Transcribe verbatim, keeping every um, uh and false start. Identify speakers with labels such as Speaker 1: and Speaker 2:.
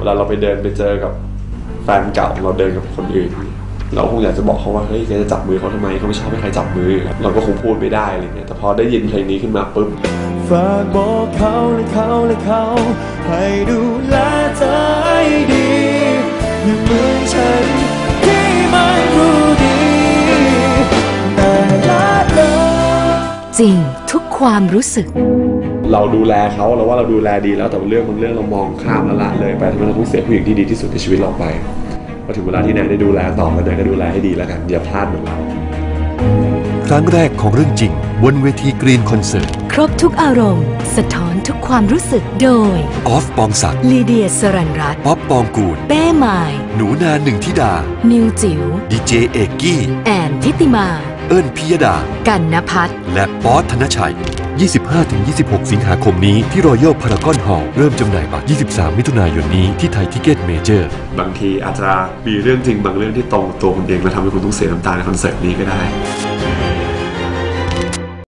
Speaker 1: วลาเราไปเดินไปเจอกับแฟนเก่าเราเดินกับคนอื่นเราคงอยากจะบอกเขาว่าเฮ้ยแกจะจับมือเขาทำไมเขาไม่ชอบให้ใครจับมือเราก็คงพูดไม่ได้อะไรเงี้ยแต่พอได้ยินเพลงนี้ขึ้นมาปุ๊บ
Speaker 2: ฝากบอกเขาและเขาและเขาให้ดูแลเธอให้ดีอย่าเหมือนฉันที่ไม่รู้ดีแต่ละเลย
Speaker 3: จริงทุกความรู้สึก
Speaker 1: เราดูแลเขาเราว่าเราดูแลดีแล้วแต่เรื่องบางเรื่องเรามองข้ามและละเลยไปทำให้เราต้องเสียผู้หญิงที่ดีที่สุดในชีวิตเราไปพอถึงเวลาที่แนนได้ดูแลต่อแล้วแนนก็ดูแลให้ดีแล้วกันอย่าพลาดเหมือนเรา
Speaker 4: ครั้งแรกของเรื่องจริงบนเวทีกรีนคอนเสิร์ต
Speaker 3: ครบทุกอารมณ์สะท้อนทุกความรู้สึกโดย
Speaker 4: ออฟปองศักดิ์
Speaker 3: ลีเดียสรัญรัตน์
Speaker 4: ป๊อปปองกูล
Speaker 3: เป้หมาย
Speaker 4: หนูนาหนึ่งธิดา
Speaker 3: นิวจิ๋ว
Speaker 4: ดีเจเอกกี้
Speaker 3: แอนทิติมา
Speaker 4: เอิ้นพิยดา
Speaker 3: กันณภัทร
Speaker 4: และป๊อตธนชัย ยี่สิบห้าถึงยี่สิบหก สิงหาคมนี้ที่รอยัลพารากอนฮอลล์เริ่มจำหน่ายบัตรยี่สิบสามมิถุนายนนี้ที่ไทยทิเก็ตเมเจอร์
Speaker 1: บางทีอาจจะมีเรื่องจริงบางเรื่องที่ตรงตัวคุณเองและทำให้คุณต้องเสียน้ำตาในคอนเสิร์ตนี้ก็ได้